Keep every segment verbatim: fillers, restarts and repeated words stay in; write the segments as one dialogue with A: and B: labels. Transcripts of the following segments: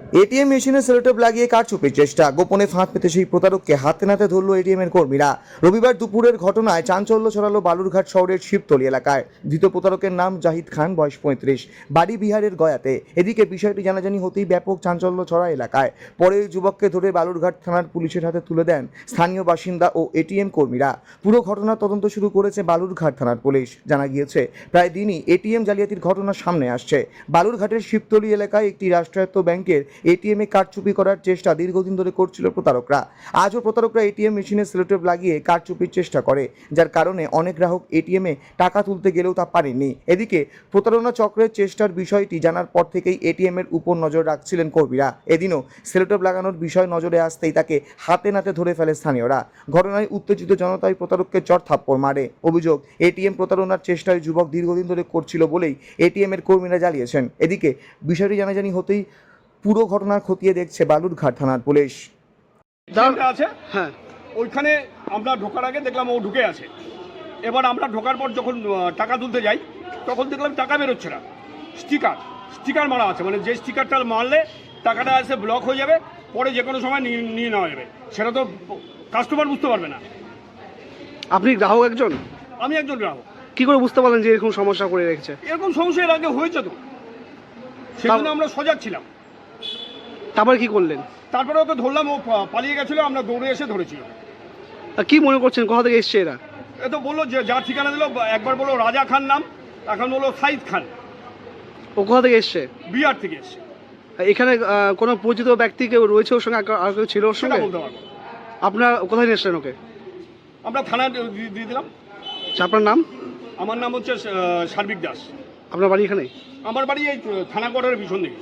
A: ATM মেশিনে Sellotape লাগিয়ে কারচুপির চেষ্টা, গোপনে ফাঁদ পেতে সেই প্রতারককে হাতে নাতে ধরল এটিএম এর কর্মীরা। রবিবার দুপুরের ঘটনায় চাঞ্চল্য ছড়ালো বালুরঘাট শহরের শিবতলী এলাকায়। ধৃত প্রতারকের নাম জাহিদ খান, বয়স পঁয়ত্রিশ, বাড়ি বিহারের গয়াতে। এদিকে বিষয়টি জানাজানি হতেই ব্যাপক চাঞ্চল্য ছড়া এলাকায়। পরে ওই যুবককে ধরে বালুরঘাট থানার পুলিশের হাতে তুলে দেন স্থানীয় বাসিন্দা ও এটিএম কর্মীরা। পুরো ঘটনার তদন্ত শুরু করেছে বালুরঘাট থানার পুলিশ। জানা গিয়েছে, প্রায় দিনই এটিএম জালিয়াতির ঘটনা সামনে আসছে। বালুরঘাটের শিবতলী এলাকায় একটি রাষ্ট্রায়ত্ত ব্যাংকের এটিএমে কারচুপি করার চেষ্টা দীর্ঘদিন ধরে করছিল প্রতারকরা। আজও প্রতারকরা এটিএম মেশিনে সেলোটেপ লাগিয়ে কারচুপির চেষ্টা করে, যার কারণে অনেক গ্রাহক এটিএমে টাকা তুলতে গেলেও তা পারেননি। এদিকে প্রতারণা চক্রের চেষ্টার বিষয়টি জানার পর থেকেই এটিএম এর উপর নজর রাখছিলেন কর্মীরা। এদিনও সেলোটেপ লাগানোর বিষয় নজরে আসতেই তাকে হাতে নাতে ধরে ফেলে স্থানীয়রা। ঘটনায় উত্তেজিত জনতাই প্রতারককে চড় থাপ্পড় মারে। অভিযোগ, এটিএম প্রতারণার চেষ্টায় যুবক দীর্ঘদিন ধরে করছিল বলেই এটিএম এর কর্মীরা জ্বালিয়েছেন। এদিকে বিষয়টি জানাজানি হতেই পুরো ঘটনা খতিয়ে দেখছে বালুরঘাট থানার পুলিশ।
B: আছে হ্যাঁ, ওইখানে আমরা ঢোকার আগে দেখলাম ও ঢুকে আছে। এবার আমরা ঢোকার পর যখন টাকা তুলতে যাই তখন দেখলাম টাকা বেরোচ্ছে না, স্টিকার স্টিকার মারা আছে, মানে যে স্টিকারটা মারলে টাকাটা এসে ব্লক হয়ে যাবে, পরে যে কোনো সময় নিয়ে নিয়ে নেওয়া যাবে, সেটা তো কাস্টমার বুঝতে পারবে না।
C: আপনি গ্রাহক একজন?
B: আমি একজন গ্রাহক।
C: কি করে বুঝতে পারলেন যে এরকম সমস্যা করে রেখেছে?
B: এরকম সমস্যা এর আগে হয়েছে তো, সেজন্য আমরা সজাগ ছিলাম।
C: তারপরে কি করলেন?
B: তারপরে ওকে ধরলাম, ও পালিয়ে গেছিলো, আমরা দৌড়ে এসে ধরেছি।
C: কি মনে করছেন, কোথা থেকে এসছে এরা?
B: এ তো বললো যে যার ঠিকানা দিল, একবার বললো রাজা খান নাম, এখন বললো সাইদ খান।
C: ও কোথা থেকে এসছে?
B: বিহার থেকে এসছে।
C: এখানে কোনো পরিচিত ব্যক্তি কেউ রয়েছে ওর সঙ্গে, আর কেউ ছিল ওর সঙ্গে?
B: বলতে পারবো।
C: আপনার কোথায় নিয়ে এসছেন ওকে?
B: আমরা থানায় দিয়ে দিলাম।
C: আপনার নাম?
B: আমার নাম হচ্ছে সার্বিক দাস।
C: আপনার বাড়ি এখানে?
B: আমার বাড়ি এই থানা কোয়ার্টারের পিছন দিকে।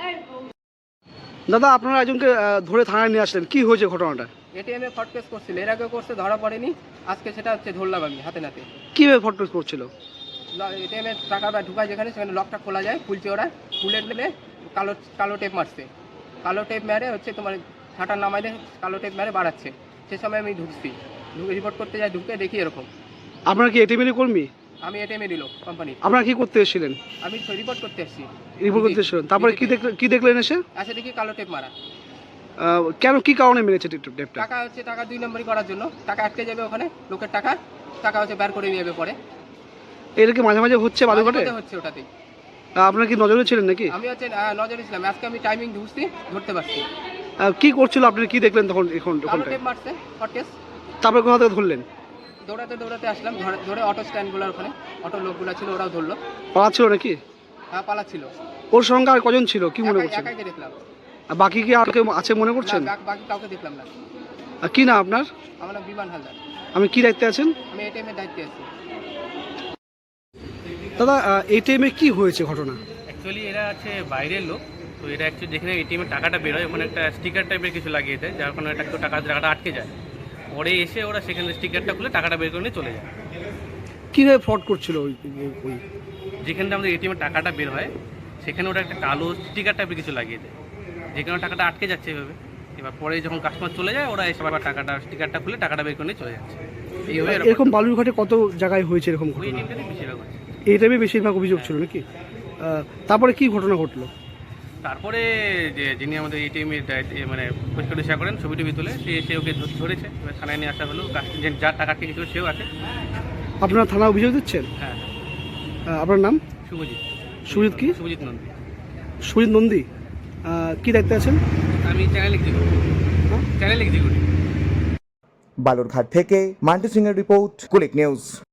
C: দাদা, আপনারা একজনকে ধরে থানায় নিয়ে আসলেন, কি হয়েছে ঘটনাটা?
D: এটিএমে ফট কেস করছিল, এর আগে করছে, ধরা পড়েনি। আজকে সেটা হচ্ছে ধরলাম আমি হাতে নাতে।
C: কীভাবে ফট কেস করছিল?
D: এটিএমে টাকা বা ঢুকায় যেখানে, সেখানে লকটা খোলা যায়, খুলছে ওরা, খুলে দিলে কালো কালো টেপ মারছে। কালো টেপ মেরে হচ্ছে তোমার ছাটা নামাইলে কালো টেপ মেরে বাড়াচ্ছে। সে সময় আমি ঢুকছি, ঢুকে রিপোর্ট করতে যাই, ঢুকে দেখি এরকম।
C: আপনারা কি এটিএমের কর্মী?
D: আমি এটিএমে দিল কোম্পানি।
C: আপনারা কি করতে এসেছিলেন?
D: আমি রিপোর্ট করতে এসেছি।
C: রিপোর্ট করতে এসেছিলেন, তারপরে কি দেখলেন? কি দেখলেন এসে?
D: আচ্ছা, দেখি কালো টেপ মারা।
C: কেন, কি কারণে মেরেছে টেপটা?
D: টাকা হচ্ছে, টাকা দুই নম্বরই করার জন্য। টাকা আটকে যাবে ওখানে, লোকের টাকা টাকা হচ্ছে বের করে নিয়ে যাবে পরে।
C: এটা কি মাঝে মাঝে হচ্ছে বালুরঘাটে?
D: হচ্ছে ওটাতেই।
C: আপনারা কি নজরে ছিলেন নাকি?
D: আমি হচ্ছে নজরে ছিলাম, আজকে আমি টাইমিং ঢুকছি, ধরতে পারছি।
C: কি করছিল আপনি, কি দেখলেন তখন? এখন
D: টেপ মারছে ফটকেস।
C: তারপরে কোথা থেকে ধরলেন?
D: দৌড়াতে দৌড়াতে আসলাম, ধরে অটো স্ট্যান্ডগুলোর ওখানে অটো লোকগুলো ছিল, ওরাও ধরলো।
C: পালাচ্ছিল নাকি?
D: হ্যাঁ, পালাচ্ছিল।
C: ওর সঙ্গে আর কজন ছিল, কি মনে করছেন?
D: একাই দেখলাম।
C: আর বাকি কি আর কেউ আছে মনে করছেন?
D: বাকি কাউকে দেখলাম না।
C: কি না আপনার?
D: আমার নাম বিমান হালদার।
C: আমি কি দায়িত্বে আছেন?
D: আমি এটিএম এর দায়িত্বে আছি।
C: দাদা, এটিএম এ কি হয়েছে ঘটনা?
E: অ্যাকচুয়ালি এরা আছে বাইরের লোক, তো এটা অ্যাকচুয়ালি যেখানে এটিএম এর টাকাটা বের হয় ওখানে একটা স্টিকার টাইপের কিছু লাগিয়ে দেয়, যার কারণে একটা টাকা টাকাটা আটকে যায়। পরে এসে ওরা সেখানে স্টিকারটা খুলে টাকাটা বের করে নিয়ে চলে যায়।
C: কীভাবে ফ্রড করছিল? ওই ওই
E: যেখানে আমাদের এটিএম এর টাকাটা বের হয় সেখানে ওরা একটা কালো স্টিকার টাইপের কিছু লাগিয়ে দেয়, যেখানে টাকাটা আটকে যাচ্ছে এভাবে। এবার পরে যখন কাস্টমার চলে যায়, ওরা এসে আবার টাকাটা স্টিকারটা খুলে টাকাটা বের করে নিয়ে চলে যাচ্ছে। এইভাবে
C: এরকম বালুরঘাটে কত জায়গায় হয়েছে এরকম ঘটনা?
E: এটিএমটাতে বেশিরভাগ হচ্ছে।
C: এটিএমে বেশিরভাগ অভিযোগ ছিল নাকি? তারপরে কি ঘটনা ঘটলো?
E: তারপরে যে যিনি আমাদের এটিএম এর মানে পরিষ্কার করেন, ছবি টবি তুলে, সে এসে ওকে ধরেছে। এবার থানায় নিয়ে আসা হলো, যার টাকা আটকে গেছিল সেও আছে।
C: আপনারা থানা অভিযোগ দিচ্ছেন?
E: হ্যাঁ।
C: আপনার নাম?
E: শুভজিৎ।
C: সুজিত কি?
E: শুভজিৎ নন্দী।
C: সুজিত নন্দী, কি দায়িত্বে আছেন?
E: আমি channel executive. Channel executive.
A: Balurghat থেকে মান্টু সিং এর রিপোর্ট, কুলিক নিউজ।